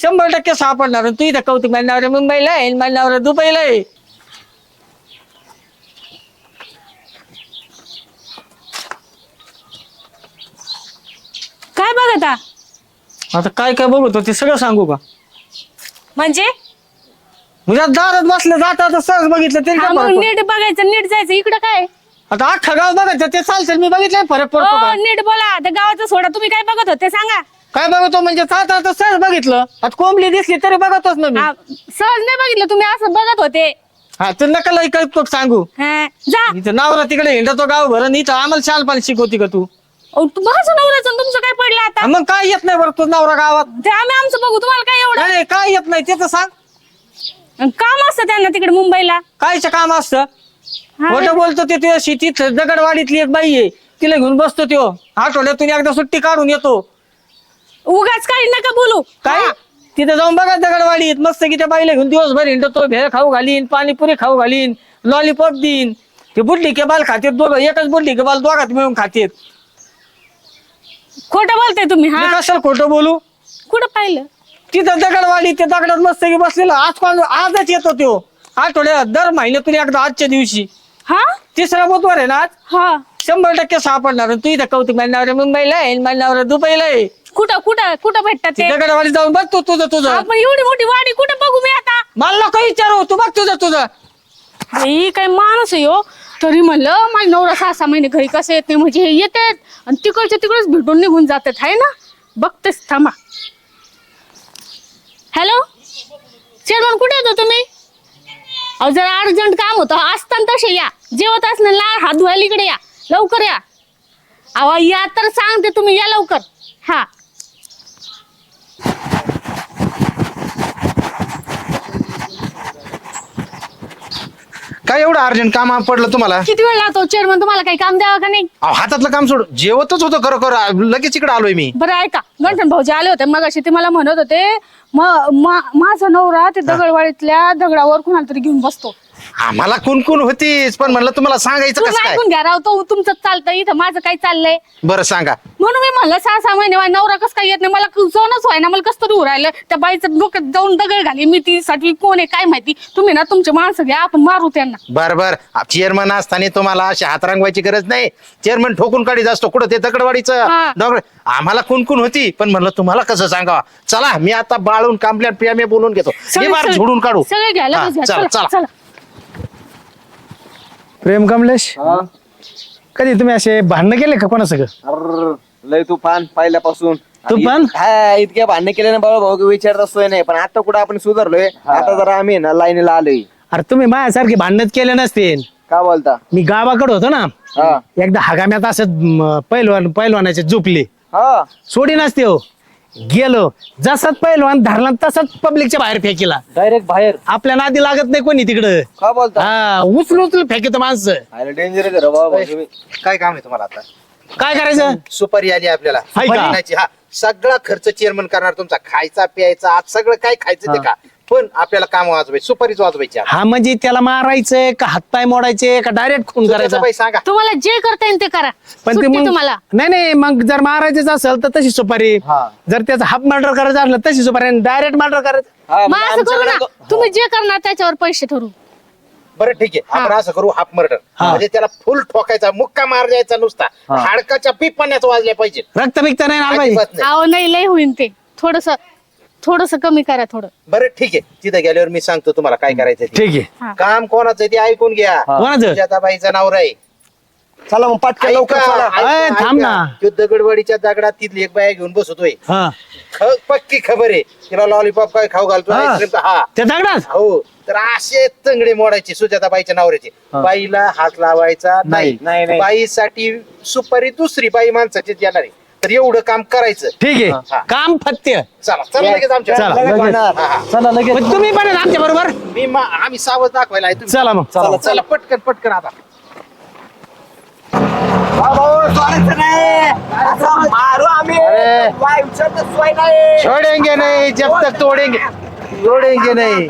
100% सापडणार. तू इथं कौतुक माझ्या नवरा मुंबईला आहे, माझ्या नवरा दुबईला आहे. काय बघता? आता काय काय बघतो ते सगळं सांगू का? म्हणजे म्हणजे दारात बसलं जाता सहज बघितलं तरी हा, काय मग फरक पडतो? नीट बघायचं, नीट जायचं. इकडं काय? आता अख्खा गाव बघायचं ते चालतं, मी बघितलंय फरक पडतो हो, का? नीट बोला. त्या गावाचं सोडा, तुम्ही काय बघत होते सांगा. काय बघतो म्हणजे आता सहज बघितलं. आता कोंबली दिसली तरी बघतोच ना मी. हा, सहज नाही बघितलं, तुम्ही असं बघत होते. हा तू नका लई काय सांगू. हा, जा. इथं नवरा तिकडे हिंडतो गाव भरण, इथं आम्हाला शालपाणी शिकवती का तू? अहो, माझं नवऱ्याचं आणि तुमचं काय पडलं आता? मग काय येत नाही बरं तू नवरा गावात? ते आम्ही आमचं बघू, तुम्हाला काय एवढं नाही काय येत नाही ते तर सांग. काम असतं त्यांना तिकडे मुंबईला. कायचं काम असतं? हा, खोटं बोलतो ते तुझ्या शेतीत दगडवाडीतली एक बाई आहे, तिला घेऊन बसतो त्यो. आठवड्यातून एकदा सुट्टी काढून येतो. उगाच काही नका बोलू. काय हा. तिथे जाऊन बघा दगडवाडीत मस्त की त्या बाईला घेऊन दिवसभर हिंडतो. भेळ खाऊ घालीन, पाणीपुरी खाऊ घालीन, लॉलीपॉप देईन. ते बुड्डी के बाल खातेत दोघं, एकच बुड्डी के बाल दोघात मिळून खातेत. खोटं बोलताय तुम्ही. मी हा, कशाला खोटं बोलू? कुठं पाहिलं? तिथं दगडवाडी त्या दगडात मस्त की बसलेला. आजच येतो त्यो. आठवड्यात दर महिन्यातून एकदा आजच्या दिवशी. हा तिसरा बुधवार आहे ना आज. हा 100% सापडणार. तू इथं कौतुक माझ्या नवरा मुंबईला आहे, माझ्या नवरा दुबईला आहे. कुठं कुठं कुठं भेटतात ते? दगडवाडी जाऊन बघ तू तुझं. आपण एवढी मोठी वाडी कुठं बघू मी आता? मला नको विचारू, तू बघ तुझं. ही काय माणूस आहे हो. तरी म्हणलं माझा नवरा 6-6 महिने घरी कसं येत नाही, म्हणजे हे येतात आणि तिकडच्या तिकडच भेटून निघून जातात. आहे ना, बघतेस थांबा. हॅलो चेअरमन, कुठे येतो तुम्ही? अहो जरा अर्जंट काम होतं. असताना तसे या, जेवत असणार लाल हात धुवायला इकडे या, लवकर या. अहो या तर सांगते, तुम्ही या लवकर. हा काय एवढं अर्जंट काम पडलं तुम्हाला? किती वेळ लागतो चेअरमन? तुम्हाला काही काम द्यावं का नाही? अहो, हातातलं काम सोड, जेवतच होतं खरं लगेच इकडे आलोय मी. बरं ऐका, गंठन भाऊजी आले होते मगाशी. ते मला म्हणत होते माझा नवरा ते दगडवाडीतल्या दगडावर कुणाला तरी घेऊन बसतो. आम्हाला कुणकुण होतीच, पण म्हणलं तुम्हाला सांगायचं कसं तुम्ही काय. ऐकून घ्या राव, तो तुमचं चालतं, इथं माझं काय चाललंय. बरं सांगा. म्हणून मी म्हणलं 6-6 महिने माझा नवरा कसं काय येत नाही, मला सणच व्हाय ना, मला कसं तरी राहिलं. त्या बाईचं डोक्यात जाऊन दगड घाली मी, ती कोण आहे काय माहिती. तुम्ही ना तुमचे माणसं घ्या, आपण मारू त्यांना. बर चेअरमन असताना तुम्हाला अशी हात रंगवायची गरज नाही. चेअरमन ठोकून काढीत असतो कुठं ते दगडवाडीचं हा. दगड. आम्हाला कुणकुण होती, पण म्हणलं तुम्हाला कसं सांगावा. चला मी आता बाळून कांबल्या प्रिया बोलून घेतो. सगळे- झोडून काढू. सगळे घ्या, लगेच घ्या. चला चला चला. चला. प्रेम कमलेश, कधी तुम्ही असे भांडणं केले का कोणा सगळं? लय तुफान पहिल्यापासून. तुफान? हा, इतके भांडणे केले ना बाबा भाऊ, विचारत असतोय नाही. पण आता कुठं आपण सुधारलोय. आता जरा आम्ही ना लाईनीला आलोय. अरे तुम्ही माझ्यासारखे भांडणच केले नसते. का बोलता? मी गावाकडे होतो ना, हा एकदा हगाम्यात असं पैलवानाचे झोपले, हा सोडी नसते हो. गेलो जसाच पैलवान धरला तसाच पब्लिकच्या बाहेर फेकीला. डायरेक्ट बाहेर. आपल्या नादी लागत नाही कोणी तिकडं. का बोलता? हा, उचलून फेकतो माणसं. डेंजर आहे बाबा भाऊ तुम्ही. काय काम आहे तुम्हाला आता? काय करायचं? सुपारी आली आपल्याला. हाय का? सुपारी आणायची. हा, सगळा खर्च चेअरमन करणार तुमचा, खायचा प्यायचा. आज सगळं काय खायचं ते का, पण आपल्याला काम वाजवायचं, सुपारीच वाजवायची. हा म्हणजे त्याला मारायचंय का हातपाय मोडायचे का डायरेक्ट खून करायचा? बाई सांगा. तुम्हाला जे करता येईल ते करा. पण ते सुट्टी मग तुम्हाला. नाही मग जर मारायचंच असेल तर तशी सुपारी. हा. जर त्याचा हाफ मर्डर करायचं असलं तशी सुपारी, डायरेक्ट मर्डर करायचं. हा, मग असं करू ना, आमच्याकडे- तुम्ही जे करणार त्याच्यावर पैसे ठरवू. बरं ठीक आहे, आपण असं करू, हाफ मर्डर म्हणजे त्याला फुल ठोकायचा, मुक्का मार द्यायचा नुसता. हाडकाच्या पिपाण्यात वाजल्या पाहिजे. रक्त बिक्त नाही आलं पाहिजे. अजिबात नाही. अहो नाही, लय होईन ते. थोडस कमी करा थोडं. बरं ठीक आहे, तिथे गेल्यावर मी सांगतो तुम्हाला काय करायचं ते. ठीक आहे. हा. काम कोणाचं आहे ते ऐकून घ्या. कोणाचं? सुजाताबाईचं नवरा आहे. चला मग पटकन लवकर ऐका, चला. ऐका, अय, थांब ऐका. ना. तो दगडवाडीच्या दगडात तिथली एक बाया घेऊन बसतोय. हा पक्की खबर आहे तिला. लॉलीपॉप काय खाऊ घालतो, हा. आईस्क्रीम हा. त्या दगडात हो, तर असे तंगडे मोडायचे सुजाताबाईच्या नवऱ्याचे. बाईला हात लावायचा नाही. नाही, नाही. बाईसाठी सुपारी दुसरी बाई माणसाची येणार आहे. तर एवढं काम करायचं. ठीक हा. आहे. काम फत्य. चला लगेच आमच्या. चला, लगेच लगेच. होणार. हा, हा. चला लगेच. मग तुम्ही पण आमच्या बरोबर. आम्ही सावध दाखवायला आहे तुम्ही. चला मग. चला पटकन आता. भाऊ सोडायचं नाही. असं मारू आम्ही. अरे. वाईफचं तर सोय नाही. छोडेंगे नाही जब तक तोडेंगे नाही.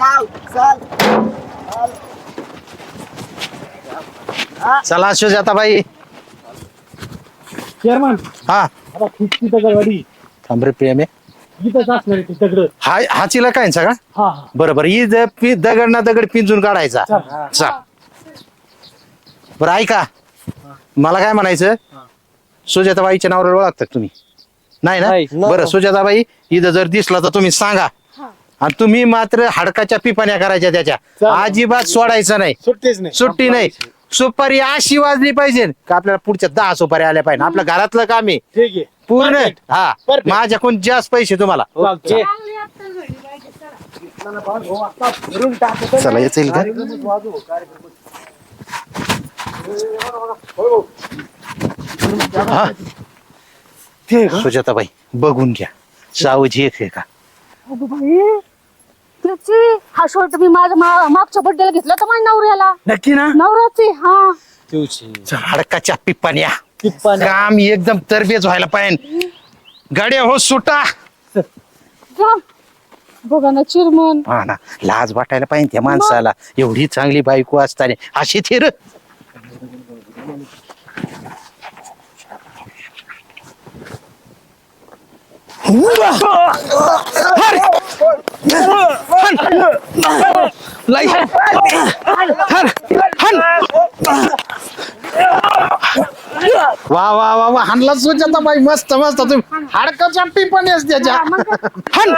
चला सुजाताबाई. चेअरमन, हा आता खूप दगडवाडी. थांब रे प्रेम आहे. इथंच असणार आहे ते दगड. हा चिला काय सगळा हा बरोबर ही दगड ना दगड पिंजून काढायचा चा बरं ऐका मला काय म्हणायचं सुजाताबाईच्या नावावर ओळखतात तुम्ही नाही ना बरं सुजाताबाई इथं जर दिसला तर तुम्ही सांगा आणि तुम्ही मात्र हाडकाच्या पिपाण्या करायच्या त्याच्या अजिबात सोडायचं नाही सुट्टीच नाही. सुट्टी नाही सुपारी अशी वाजली पाहिजे का आपल्याला पुढच्या 10 सुपारी आल्या पाहिजे आपलं घरातलं काम आहे ठीक आहे पूर्ण Perfect. हा Perfect. माझ्याकडून जास्त पैसे तुम्हाला चालतंय. चला येईल का हा. सुजाताबाई बघून घ्या सावजी एक आहे का अगं बाई, त्याची हा शर्ट मी माझ्या मागच्या बड्डेला घेतला तर माझ्या नवऱ्याला. नक्की ना नवऱ्याची हा. हाडकाच्या पिप्पान्या पिप्पाण्या. काम एकदम तरबेज व्हायला पाहिजे गाड्या हो सुटा जा. बघा ना चिरमन. हा ना लाज वाटायला पाहिजे त्या माणसाला एवढी चांगली बायको असताना अशी थिर वा वा वा वा हाणला सुजाता बाई मस्त मस्त तुम्ही हाडकाच्या पिपाण्यास त्याच्या हाण.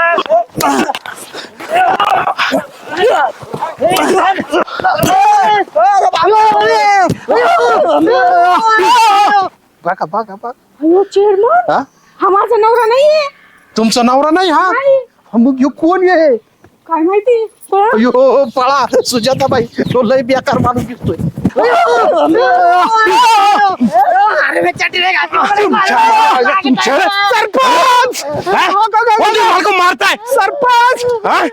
बघा बघा बघा अयो चिरमन, हा हा माझा नवरा नाहीये. तुमचा नवरा नाही हा नाही. हा, मग ह्यो कोण आहे काय माहिती पण. अयो पळा सुजाताबाई तो लय बेकार माणूस दिसतोय सरपंच मारताय सरपंच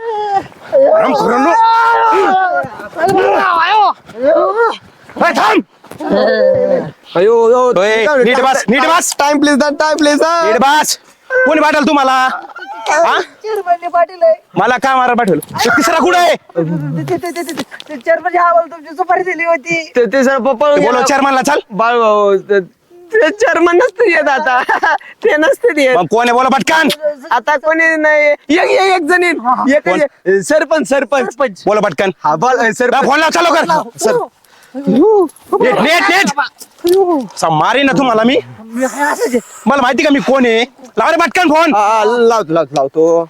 नीट बस टाइम प्लीज नीट बस कोणी पाठवलं तुम्हाला हा? मला काय मारा पाठवलं तो तिसरा कुठे आहे सुपारी दिली होती ते सर पप्पा बोलो चेअरमनला चल बाळ भाऊ ते चेअरमन नसते येत आता ते नसते येत मग कोण आहे बोला पटकन आता कोणी नाही एक जण येईल. एक सरपंच सरपंच बोला पटकन हा बोल सरपंच फोन लाव चालू कर सर नेट नेट नेट मारी ना तुम्हाला मी मला माहिती का मी कोण आहे लाव रे पटकन फोन लावतो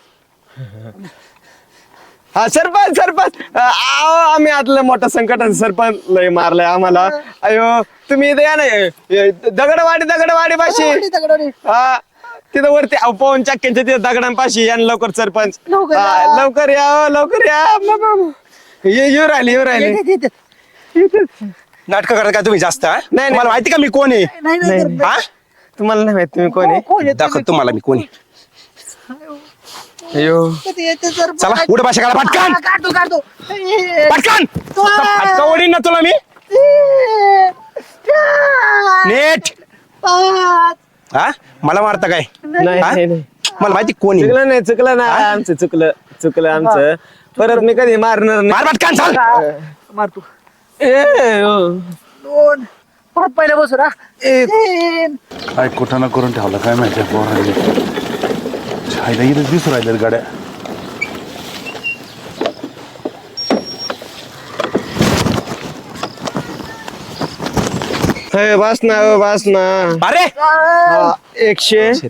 हा सरपंच आओ आम्ही आतलं मोठं संकट सरपंच लय मारलंय आम्हाला अयो तुम्ही इथे या ना दगडवाडी पाशी हा तिथं वरती पवन चक्क्यांच्या तिथं दगडांपाशी या ना लवकर सरपंच हा, लवकर या येऊ राहिले नाटक करता का तुम्ही जास्त हा? नाही. मला माहिती का मी कोण आहे हा? तुम्हाला नाही माहित तुम्ही कोण आहे दाखव तुम्हाला मी कोण आहे अयो चला उडे भाषा काढा पटकन पटकन फटका ओढीन ना तुला मी नेट हा मला मारता काय हा? मला माहिती कोण आहे चुकलं ना आमचं चुकलं आमचं परत मी कधी मारणार मार पटकन चाल मारतो परत पहिले बसू ना काय कुठं ना करून ठेवलं काय माहिती पोरांनी छायला इथं दिसू राहिल्या गाड्या बस ना अरे 100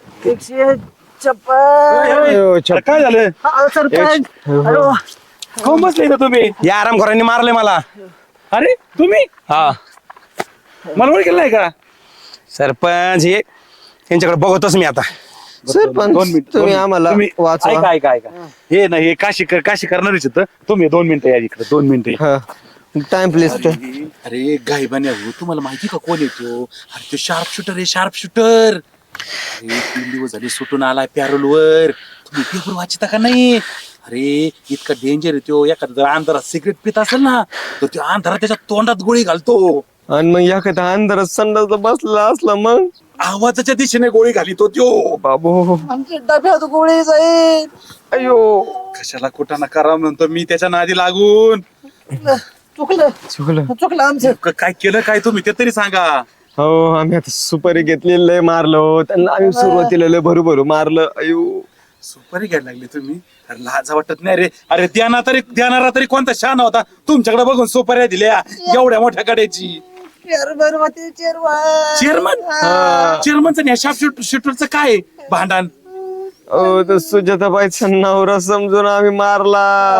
काय झालं कोण बसले इथं तुम्ही या आरामखोरांनी मारले मला अरे तुम्ही हा मला ओळखेल नाही का सरपंच हे त्यांच्याकडे बघतोच मी आता सरपंच तुम्ही आम्हाला वाचवा ऐका हे नाही हे काशी करणारच होतं तुम्ही 2 मिनिटं या इकडे 2 मिनिटं टाइम प्लीज अरे गायबाने तुम्हाला माहिती का कोण येतो अरे तो शार्प शूटर अरे 3 दिवस झाले सुटून आलाय पॅरोल वर तुम्ही पेपर वाचता का नाही अरे इतका डेंजर येतो एखादा जर अंधारात सिगरेट पित असेल ना तर तो अंधारात त्याच्या तोंडात गोळी घालतो आणि मग एखाद्या अंधारात संडास बसला असला मग आवाजाच्या दिशेने गोळी घालितो त्यो बाबू आमच्या डब्यात गोळी जाईल अयो कशाला कुठं ना करा म्हणतो मी त्याच्या नादी लागून चुकलं आमचं काय केलं काय तुम्ही ते तरी सांगा हो आम्ही आता सुपारी घेतली लय मारलो त्यांना आम्ही सुरुवातीला लय भरू मारलं अयो सुपारी घ्यायला लागली तुम्ही? अरे लाजा वाटत नाही रे. अरे देणारा तरी कोणता शहाणा होता तुमच्याकडे बघून सुपाऱ्या दिल्या एवढ्या मोठ्या गाड्याची. चेअरमनचं आणि शाप शूटरचं काय भांडण? तो सुजाताबाईचा नवरा समजून आम्ही मारला.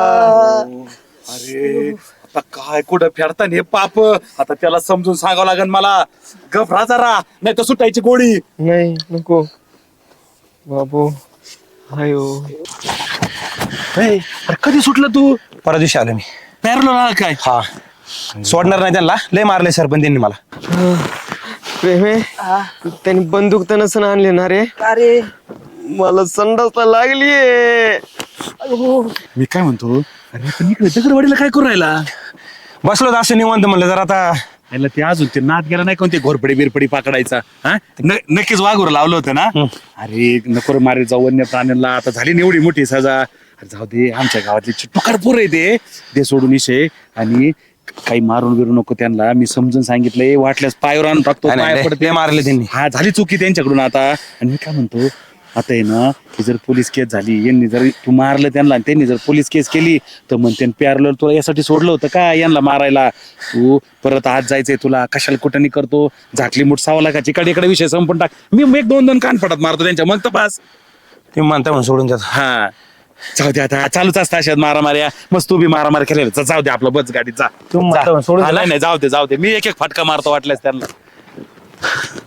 अरे आता काय कुठं फेडता हे पाप? आता त्याला समजून सांगावं लागेल मला. गफरा जरा नाही तर सुटायची गोळी. नाही नको बाबू. आयो अरे कधी सुटलं तू? परवा दिवशी आलो मी. पॅरलो काय? हा सोडणार नाही त्यांना, लय मारले सरपंच त्यांनी मला. प्रेमे त्यांनी बंदूक तर नसून आणली ना रे. अरे मला संडासला लागलीये. मी काय म्हणतो, अरे पण इकडे दगडवाडीला काय करू राहिला? बसलो होतो असं निवांत म्हणलं जरा आता. याला ते अजून ते नाद गेला नाही कोणते घोरपडी बिरपडी पकडायचा? हा नक्कीच वाघूर लावलं होतं ना. अरे नको मारे जाऊ वन्य प्राण्यांना. आता झाली ना एवढी मोठी सजा. अरे जाऊ दे, आमच्या गावातले टुकार पोर आहे ते सोडून विषय. आणि काही मारून बिरू नको त्यांना. मी समजून सांगितलंय, वाटल्यास पायावर आणून टाकतो. पाय पडते मारले त्यांनी. हा झाली चुकी त्यांच्याकडून आता. आणि मी काय म्हणतो, आता आहे ना की जर पोलीस केस झाली, यांनी जर तू मारलं त्यांना आणि त्यांनी जर पोलीस केस केली तर म्हणते प्यारलं तुला यासाठी सोडलं होतं का यांना मारायला? तू परत आज जायचंय तुला, कशाला कुठं करतो? झाकली मुठ 6 लाखाची इकडे विषय संपून टाक. मी एक 2 कान पडत मारतो त्यांच्या, मग तर बस. ते म्हणता म्हणून सोडून जात. हा जाऊ दे, आता चालूच असतं अशात मारामाऱ्या. मस्त तू बी मारामारी केलेला. जाऊ दे आपलं बस गाडीत जा. म्हणता म्हणून सोडून नाही जाऊ दे. मी एक फटका मारतो वाटल्यास त्यांना.